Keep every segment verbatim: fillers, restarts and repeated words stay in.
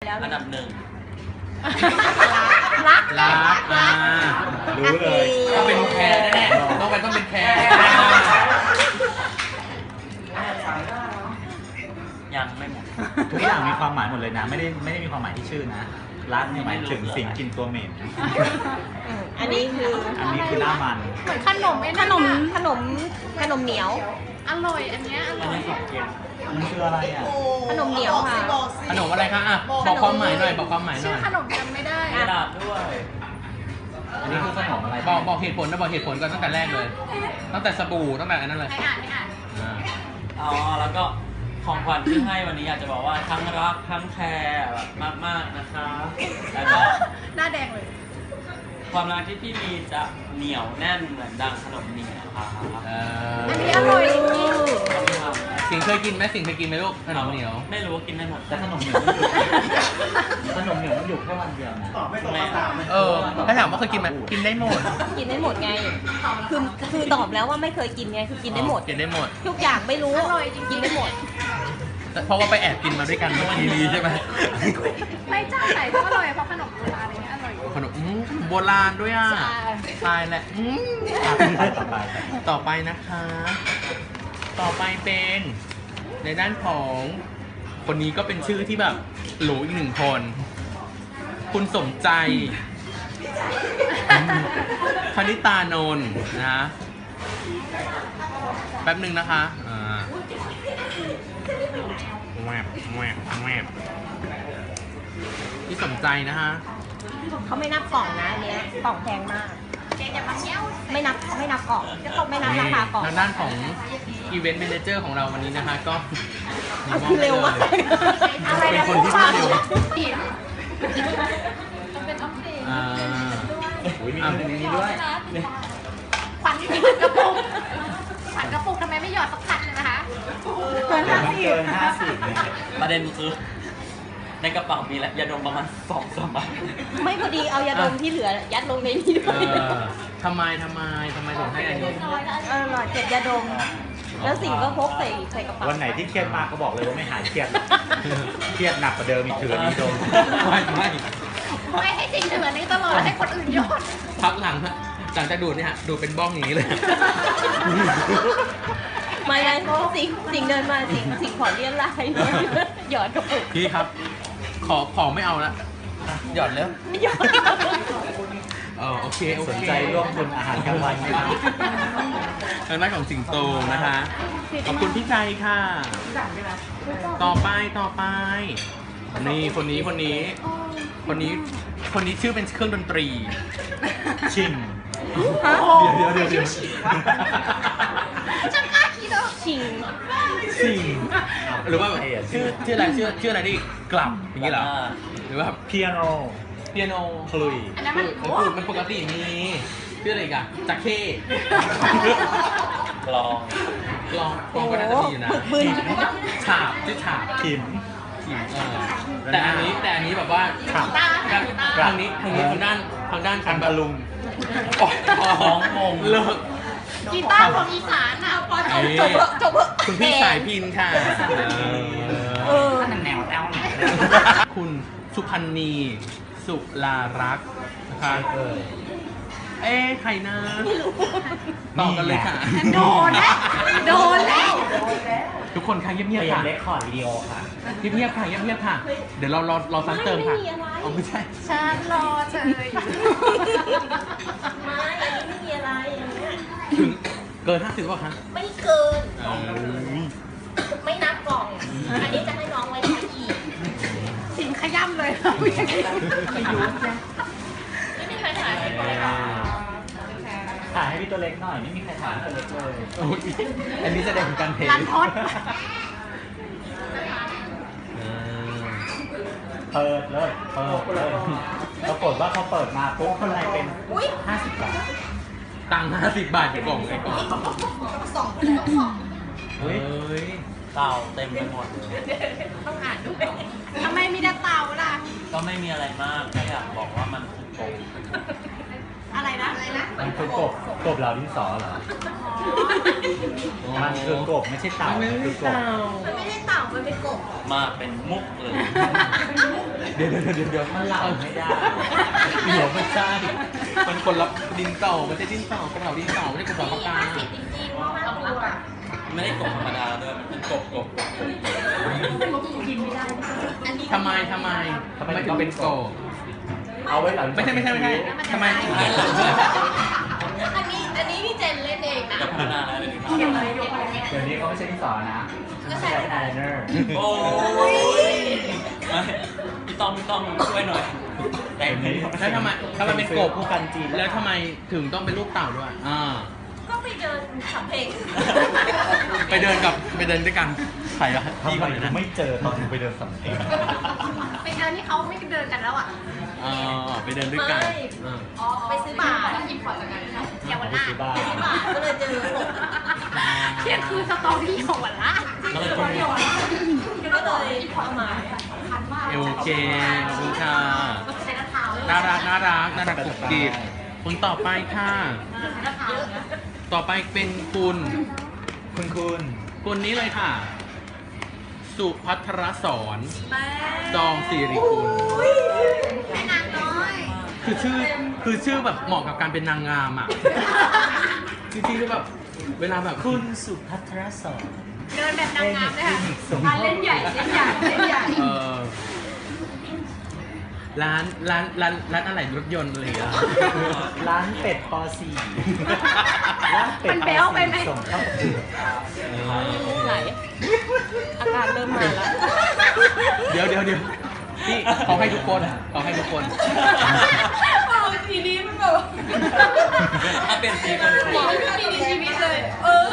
แล้วอันดับหนึ่งรักรักอ่ารู้เลยต้องเป็นแคร์แน่ๆต้องเป็นต้องเป็นแคร์ยังไม่หมดทุกอย่างมีความหมายหมดเลยนะ ไม่ได้ไม่ได้มีความหมายที่ชื่อนะรักเนี่ยหมายถึงสิ่งกินตัวเหม็นอันนี้คืออันนี้คือหน้ามันเหมือนขนมไอ้ขนั่นนมอะขนมขนมเหนียวอร่อยอันเนี้ยออันร่อยนี้ของเย็นมันคืออะไรอ่ะขนมเหนียวค่ะขนมอะไรคะอ่ะบอกความหมายหน่อยบอกความหมายหชื่น่ออยขนมจำไม่ได้กระดาษด้วยอันนี้คือขนมอะไรบอกบอกเหตุผลนะบอกเหตุผลก่อนตั้งแต่แรกเลย ตั้งแต่สบู่ตั้งแต่อันนั้นเลยให้อ่านให้อ่านอ่าอ๋อแล้วก็ของขวัญที่ให้วันนี้อยากจะบอกว่าทั้งรักทั้งแคร์แบบมากๆนะคะแล้วก็หน้าแดงเลยความรักที่พี่มีจะเหนียวแน่นเหมือนดังขนมเหนียวค่ะเออันอนี้อร่อยจริงต้องทสิงเคยกินไหมสิงเคยกินไหมลูกขำนมเหนียวไม่รู้ว่ากินได้หมดแต่ขนมเหนียวมันอยู่ขนมเหนียวมันอยู่แค่วันเดียวนะแม่เออถ้าถามว่าเคยกินไหมกินได้หมดกินได้หมดไง คือคือตอบแล้วว่าไม่เคยกินไง คือกินได้หมดกินได้หมดทุกอย่างไม่รู้กินได้หมดแต่เพราะว่าไปแอบกินมาด้วยกันเมื่อกี้นี้ใช่ไหมไม่เจ้าไหนก็อร่อยเพราะขนมโบราณอะไรเงี้ยอร่อยขนมอืมโบราณด้วยอ่ะใช่ตายแหละอืมไปต่อไปต่อไปนะคะ ต่อไปเป็นในด้านของคนนี้ก็เป็นชื่อที่แบบหรูอีกหนึ่งคน คุณสมใจคณิตานนท์นะแป๊บหนึ่งนะคะอ่าแวบแวบแวบที่สนใจนะฮะเขาไม่นับกล่องนะอันเนี้ยกล่องแพงมาก ไม่นับไม่นับกล่องไม่นับราคากล่องทางด้านของอีเวนต์ a ม a นเจอร์ของเราวันนี้นะคะ ก็มีมอบเร็วมากให้เลยเป็นคนที่พูดเร็วมันเป็นออฟฟิศอ่าอุ้ยมีอันนี้ด้วยขวัญกระปุกขวัญกระปุกทำไมไม่หยอดสักพันเลยนะคะเดี๋ยวมันเกินห้าสิบเนี่ยประเด็นคือในกระเป๋ามีแล้วยาดมประมาณสองสามใบไม่พอดีเอายาดมที่เหลือยัดลงในนี้ด้เอวยอทำไมทำไมทำไมถึงให้อันนี้เออหน่อยเก็บยาดม แล้วสิ่งก็พกใส่ใส่กระเป๋าวันไหนที่เครียดมากก็บอกเลยว่าไม่หายเครียด เครียดหนักกว่าเดิมอีกถือมีดมไม่ไม่ไม่ให้สิ่งเหลือนี้ตลอดให้คนอื่นหยอดพักหลังฮะหลังจากดูดเนี่ยฮะดูดเป็นบ้องอย่างนี้เลยไม่ไงสิ่งสิ่งเดินมาสิ่งสิ่งขอเลี้ยงลายหยอดกระปุกพี่ครับ ขอขอไม่เอาละหยอดแล้วหยอดเออโอเคโอสนเคใจร่วมทุนอาหารกลางวันไหมครับทางด้านของสิงโตนะคะขอบคุณพี่ใจค่ะ ต่อไปต่อไป นี่คนนี้คนนี้ คนนี้คนนี้ชื่อเป็นเครื่องดนตรีชิงเดี๋ยวเดี๋ยวเดี๋ยวช่างกล้าคิดเหรอชิงสิงหรือว่าแบบชื่อชื่ออะไรชื่อชื่ออะไรที่กลับอย่างนี้เหรอหรือว่าเปียโนเปียโนคลุยอันนั้นมันคือคือมันปกติมีชื่ออะไรอีกันจักเข้กลองกลองกลองก็น่าจะมีอยู่นะบึนฉาบชื่อฉาบขิมขิมเออแต่อันนี้แต่อันนี้แบบว่าขับตาทางทางนี้ทางนี้ทางด้านทางด้านอันแบตะบลุงอ๋อของงงเลิกกีตาร์ของอีสานอ่ะพอจบนี่จบเถอะจบเถอะคุณพี่สายพินค่ะเออแนวแนวคุณสุพันธ์นีสุลารักษ์นะคะเอ้ยเอ๊ะใครนะต่อกันเลยค่ะโดนแล้วโดนแล้วทุกคนค่ะเงีเปยบลี่ๆยนค่ะเลคคอร์ดวิดีโอค่ะเงียบๆค่ะเงียบๆค่ะ เดี๋ยวเรารอรอซ้ำเติมค่ะเอาไม่ใช่ฉันรอเฉยไม่อันนี้ไม่มีอะไรอย่างเงี้ยถึงเกินห้าสิบป่ะคะไม่เกินเออไม่นับกล่อง อันนี้จะให้น้องไว้ใช้อีกสิ่งขย้ำเลยไม่มีใครถ่ายให้ก่อนเลยค่ะถ่ายให้พี่ตัวเล็กหน่อย ไม่มีใครถ่ายให้ตัวเล็กเลยโอ้ยอันนี้แสดงถึงการเทรันทดเออเปิดเลย เปิดเลยปรากฏว่าพอเปิดมาปุ๊บข้างในเป็นอุ้ยห้าสิบบาทตังค์ห้าสิบบาทอยู่กล่องไอ้กล่องสองเลยสองเฮ้ยเต่าเต็มไปหมดเลยต้องอ่านด้วยทำไมมีแต่เต่าล่ะก็ไม่มีอะไรมากแค่อยากบอกว่ามันคือโกงอะไรนะอะไรนะมันคือกบกบเหล่าดินสอเหรอมันคือกบไม่ใช่เต่าไม่มันใช่คือกบเต่ามันไม่ได้เต่ามันเป็นกบมาเป็นมุกเลยเดี๋ยวเดี๋ยวเดี๋ยวเดี๋ยวมันเหล่าไม่ได้เดี๋ยวไม่ใช่มันคนละดินเต่าไม่ใช่ดินเต่ากบเหล่าดินเต่าไม่ใช่กบเหล่าปากกาจริงๆว่ามันตัวไม่ได้กบธรรมดาด้วยมันเป็นกบกบกบกบทำไมทำไมทำไมถึงเป็นโกบเอาไว้หลังไม่ใช่ไม่ใช่ไม่ใช่ทำไมถึงเป็นโกบอันนี้อันนี้พี่เจนเล่นเองนะจะพัฒนาแล้วเลยดีครับเดี๋ยวนี้เขาไม่ใช่ดินสอนะเขาใช้ไอายไลเนอร์โอ้ยไม่พี่ต้องพี่ต้องช่วยหน่อย แต่งนี้แล้วทำไมทำไมเป็นโกบผู้กันจีนแล้วทำไมถึงต้องเป็นรูปเต่าด้วยอ่าก็ไปเดินสัมเพลงไปเดินกับไปเดินด้วยกันใครอะทำพี่ไมคนไหนถึนะงไม่เจอตอนถึงไปเดินสำเพ็งไปเดินที่เขาไม่เดินกันแล้วอ่ะอ๋อไปเดินด้วยกันอ่าไปซื้อบาทหยิบของจากกันนะเยาวราชซื้อบ้านไปซื้อบาทก็เลยเจอผมเที่ยงคือสตอรี่ของวันละก็เลยต้องก็เลยเอามาเอลเจขอบคุณค่ะใช้น้ำเท้าเลยน่ารักน่ารักน่ารักกุบกิบคนต่อไปค่ะใช้น้ำเท้านะต่อไปเป็นคุณคุณคุณคุณนี้เลยค่ะ สุพัทรสอนจองสิริกุลแม่นางน้อยคือชื่อคือชื่อแบบเหมาะกับการเป็นนางงามอ่ะจริงๆคือแบบเวลาแบบคุณสุภัทรสอนเดินแบบนางงามเลยค่ะสมเล่นใหญ่เล่นใหญ่เล่นใหญ่เออร้านร้านร้านร้านอะไรรถยนต์อะไรอย่างเงี้ยร้านเป็ดปอสี่ร้านเป็ดปอสี่ส่งเข้าประกวดไหลอาการเริ่มมาแล้วเดี๋ยวเดี๋ยวเดี๋ยวพี่ขอให้ทุกคนขอให้ทุกคนทีนี้มันแบบถ้าเป็นสีคนสวยไม่มีชีวิตเลย เออ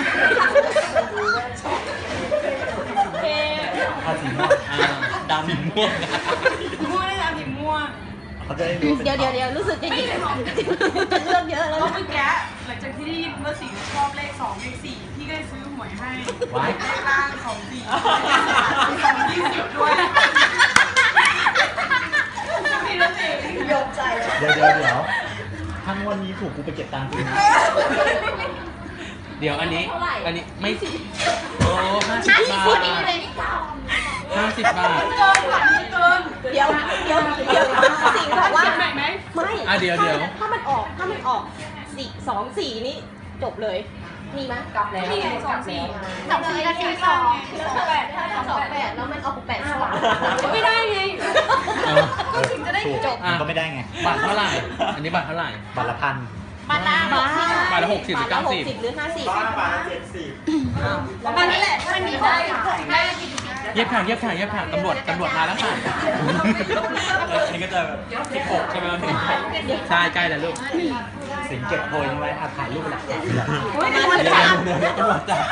โอเคภาษีม่วงอ่าดำม่วงม่วงได้แล้วสีม่วงเขาจะได้รู้เดี๋ยวเดี๋ยวเดี๋ยวรู้สึกจะหยิบจะเลือกเยอะแล้วก็นะเมื่อกี้หลังจากที่ได้ยินว่าสีชอบเลขสองเลขสี่พี่ก็เลยซื้อหวยให้ไว้เลขล่างสองสี่สองยี่สิบด้วยพี่นั่นเองยกใจเลยเดี๋ยวเดี๋ยวเดี๋ยวทั้งวันนี้ถูกกูไปเก็บตังค์คืนนะเดี๋ยวอันนี้ อันนี้ไม่โอ้ห้าสิบห้าสิบบาพูดทดีเลยห้าสิบบาทเกินค่ะเกินเดี๋ยวเดี๋ยวเดี๋ยวสิงห์บอกว่าเขียนใหม่ไหมไม่อ่ะเดี๋ยวเดี๋ยวถ้ามันออกถ้ามันออกสี่สองสี่นี่จบเลย มีไหมกลับแล้วนี่ไงสองสี่สองสี่กับสี่สองแล้วสองแปดถ้าสองแปดแล้วมันออกแปดสองไม่ได้ไงเออก็ถึงจะได้ถูกจบมันก็ไม่ได้ไงบัตรเท่าไหร่ อันนี้บัตรเท่าไหร่บัตรละพันมาลาบอกสิบาทละหกสิบหรือเก้าสิบหรือห้าสิบมันนี่แหละมันมีได้ได้เย็บค่ะเย็บค่ะเย็บค่ะตำรวจตำรวจมาแล้วค่ะอันนี้ก็จะแบบที่หกใช่ไหมครับพี่ใช่ใกล้แล้วลูกสิงเก็บโพยไว้อาถ่ายรูปเป็นหลักฐานโอ้ยมันเดี๋ยวจับเดี๋ยวเดี๋ยวตำรวจจับ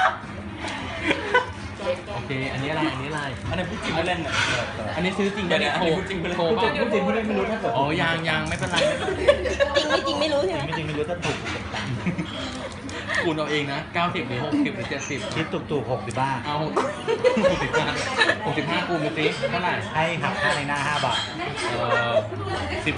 โอเค อันนี้อะไร อันนี้อะไรอันนี้พูดจริงไม่เล่นเนี่ยอันนี้ซื้อจริงเดี๋ยวเนี่ยอันโทรนี้พูดจริงไปเลยโทรพูดบ้าจริงพูดจริงพูดจริงไม่รู้ถ้าเกิดอ๋อยังยังไม่เป็นไรไม่เป็นไรจริงไม่จริงไม่รู้ใช่ไหมไม่จริงไม่รู้ถ้าถูกกูเก็บตังค์คูณเอาเองนะเก้าสิบหรือหกสิบหรือเจ็ดสิบคิดถูกถูกหกสิบบ้าเอาหกสิบห้าหกสิบห้าคูณไปสิเท่าไหร่ให้หักค่าในหน้าห้าบาทเออสิบ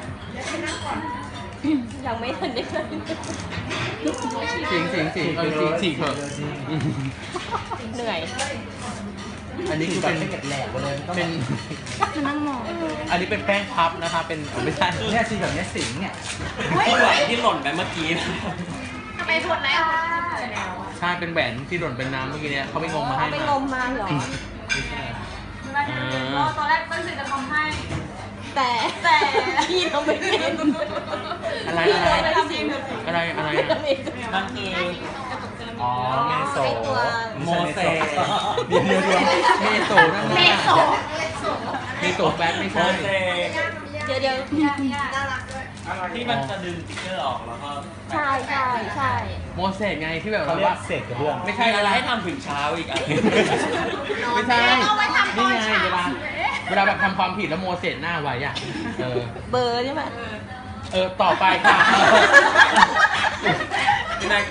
ยังไม่ทันได้เลยสิงสิงสิงเออสิงสิงเถอะเหนื่อยอันนี้คือเป็นเก็บแหลกไปเลยเป็น อันนี้เป็นแป้งพับนะคะ เป็นอ๋อไม่ใช่เนี่ยสีแบบเนี้ยสิงเนี่ยที่ไหวที่หล่นไปเมื่อกี้ทำไมทวนแล้วใช่เป็นแหวนที่หล่นเป็นน้ำเมื่อกี้เนี่ยเขาไปงมมาให้ไปมางมมาเหรอไม่ใช่เวลาจะเรียนก็ตอนแรกตั้งใจจะทำให้แต่แต่พี่ทำไม่เป็นอะไรพี่อะไรเลยทำเองอะไรอะไรพี่อะทำเองนั่นคืออ๋อเมโซไอ้ตัวโมเสสเดี๋ยวเดี๋ยวเดี๋ยวเมโซนั่นเมน่ะโซเมโซแบ็คไม่โมใช่เสสเดี๋ยวเดี๋ยวที่มันจะดึงสติ๊กเกอร์ออกแล้วก็ใช่ใช่ใช่โมเสสไงที่แบบเขาเรียว่ากเศษกระเบื้องไม่ใช่ใช่อะอะไร ไรให้ทำถึงเช้าอีกอ่ะไม่ใช่เอาไว้ทำตนี่อนไงเช้าเวลาเวลาแบบทำความผิดแล้วโมเสสหน้าไว้อ่ะเออเบอร์ใช่ไหมเออต่อไปค่ะพี่นาย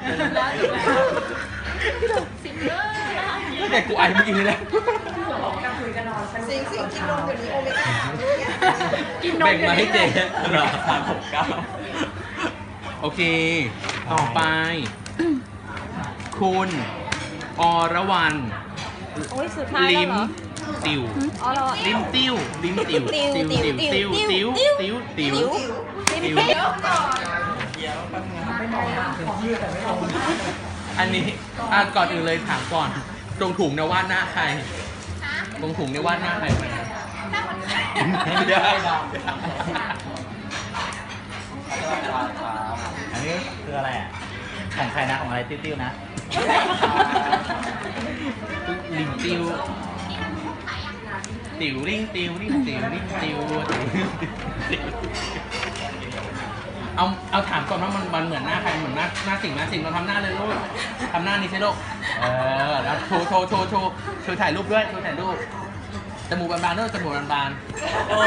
แต่กูไอเมื่อกี้นี่แหละสิงสิงกินนมเดี๋ยวนี้โอเมก้าแบ่งมาให้เจ๊เหลือสามหกเก้าโอเค ต่อไป คุณอรวรรณโอ้ยสุดท้ายแล้ลิวมเหรอติวอ๋อเหรอลิมติ้วลิมติ้วติ้วติ้วติ้วติ้วติ้ติ้ววติ้วติ้วติ้วติ้วติ้วเดี๋ยวแป๊บนึงอันนี้อ่ะก่อนอื่นเลยถามก่อน ตรงถุงเนี่ยวาดหน้าใคร ตรงถุงเนี่ยวาดหน้าใครไหมไม่ได้อันนี้คืออะไรอ่ะของใครนะของอะไรติ้วๆนะลิมติ้วติ๋วริ่งติ๋วริ่งติ๋วริ่งติ๋วเอาเอาถามก่อนว่ามันมันเหมือนหน้าใครเหมือนหน้าหน้าสิงห์หน้าสิงห์เราทำหน้าเลยลูกทำหน้านี้ใช่ลูกเออแล้วโชว์โชว์โชว์โชว์โชว์ถ่ายรูปด้วยโชว์ถ่ายรูปจมูกบานๆด้วยจมูกบานๆโอ้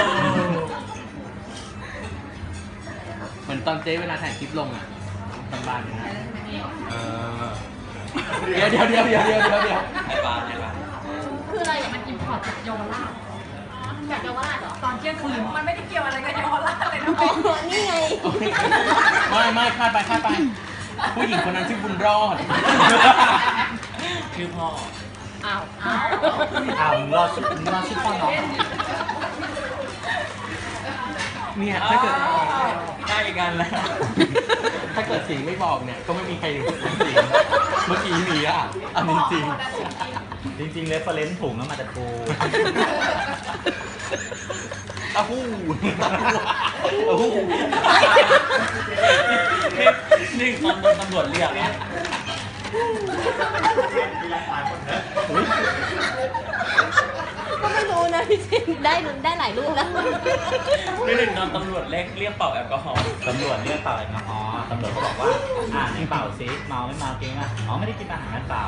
เหมือนตอนเจ๊เวลาถ่ายคลิปลงอ่ะบานๆอย่างนั้นเออเดี๋ยวเดี๋ยวเดี๋ยวเดี๋ยวเดี๋ยวเดี๋ยวเดี๋ยวให้บานให้บานคืออะไรอ่ะมันอิมพอร์ตจากเยาวราชจากเยาวราชเหรอตอนเที่ยงคืนมันไม่ได้เกี่ยวอะไรกับเยาวราชเลยนะอ๋อนี่ไงไม่ไม่คาดไปคาดไป ผู้หญิงคนนั้นชื่อบุญรอดชื่อพ่ออ้าวอ้าวเอารอดชุดรอดชุดพ่อน้องเนี่ยถ้าเกิดได้กันแล้วถ้าเกิดสิงห์ไม่บอกเนี่ย ก็ไม่มีใครรู้สิงห์เมื่อกี้นี้อ่ะอันนี้จริงจริงๆเรฟเฟอเรนซ์ถุงแล้วมาจากกูอ้าวหู้อ้าวหู้นี่ตอนโดนตำรวจเรียกนะก็ไม่รู้นะพี่จินได้ได้หลายรูปแล้วไม่ได้นอนตำรวจเรียกเรียกเป่าแอลกอฮอล์ตำรวจเรียกเป่าแอลกอฮอล์ตำรวจเขาบอกว่า อ่านี่เป่าซิเมาไม่เมาจริงอ่ะอ๋อไม่ได้กินอาหารงั้นเปล่า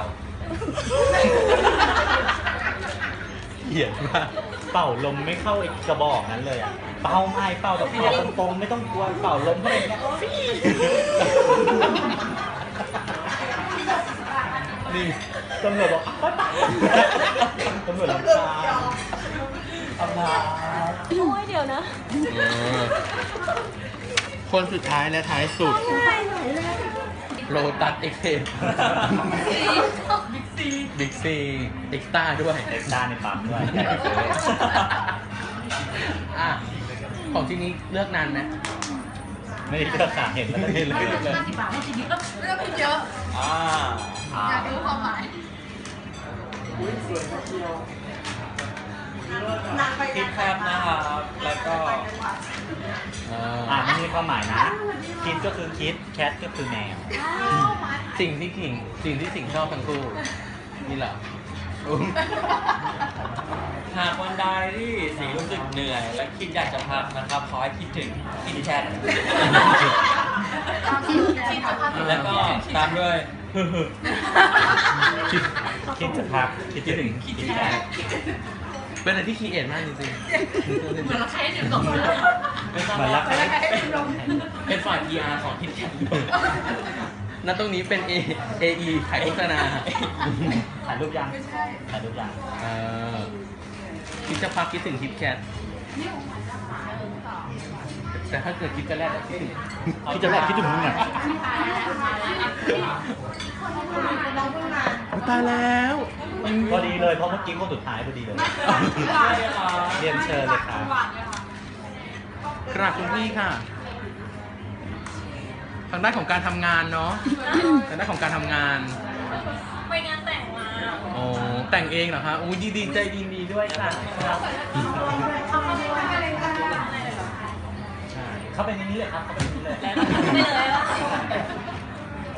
เหี้ยมากเป่าลมไม่เข้าไอ้กระบอกนั้นเลยอ่ะ เป่าไม่เป่าแบบเป่าตรงๆไม่ต้องกลัวเป่าลมเข้าไปเนี่ยนี่ตำรวจบอกไปไปตำรวจลำคาญอำลาโอ้ยเดี๋ยวนะเออคนสุดท้ายและท้ายสุด โลตัสเอ็กเทนบิ๊กซีเอ็กซ์ต้าด้วยเด็กด้านในปั๊มด้วยอ่ะ ของที่นี้เลือกนานไหมไม่ได้เลือกค่ะเห็นแล้วก็เห็นเลยเรื่องผิดเยอะอ่าอ่าอยากรู้ความหมายคิดแคบนะครับ แล้วก็เอออ่าไม่มีความหมายนะ คิดก็คือคิด แคทก็คือแมวสิ่งที่ขิงสิ่งที่สิงชอบทั้งคู่ นี่เหรอหากวันใดที่สีรู้สึกเหนื่อย และคิดอยากจะพักนะครับ ขอให้คิดถึงคิดแชทแล้วก็ตามด้วยคิดคิดจะพัก คิดจะถึงคิคิดดแชแคททเป็นอะไรที่คีเอทมากจริงเหมือนเราใช้เดี๋ยวตกไม่ทราบเหมือนรัว่ากใครเป็นฝ่าย พี อาร์ ของคิดแชทๆ ณ ตรงนี้เป็น A เอ อี ขายโฆษณาถ่ายรูปยังถ่ายรูปยังเออคิดจะพักคิดถึงคิดแคทแต่ถ้าเกิดคิดจะแรกคิดถึงคิดจะแรกคิดถึงมึงอ่ะตายแล้วพอดีเลย เพราะเมื่อกี้คนสุดท้ายพอดีเลย เรียนเชิญเลยครับกราบคุณพี่ค่ะ ทางด้านของการทำงานเนาะ ทางด้านของการทำงานไปงานแต่งมาโอ้แต่งเองเหรอคะอุ้ยดีดีใจดีดีด้วยค่ะเข้าไปในนี้เลยครับ เข้าไปในนี้เลยไปเลย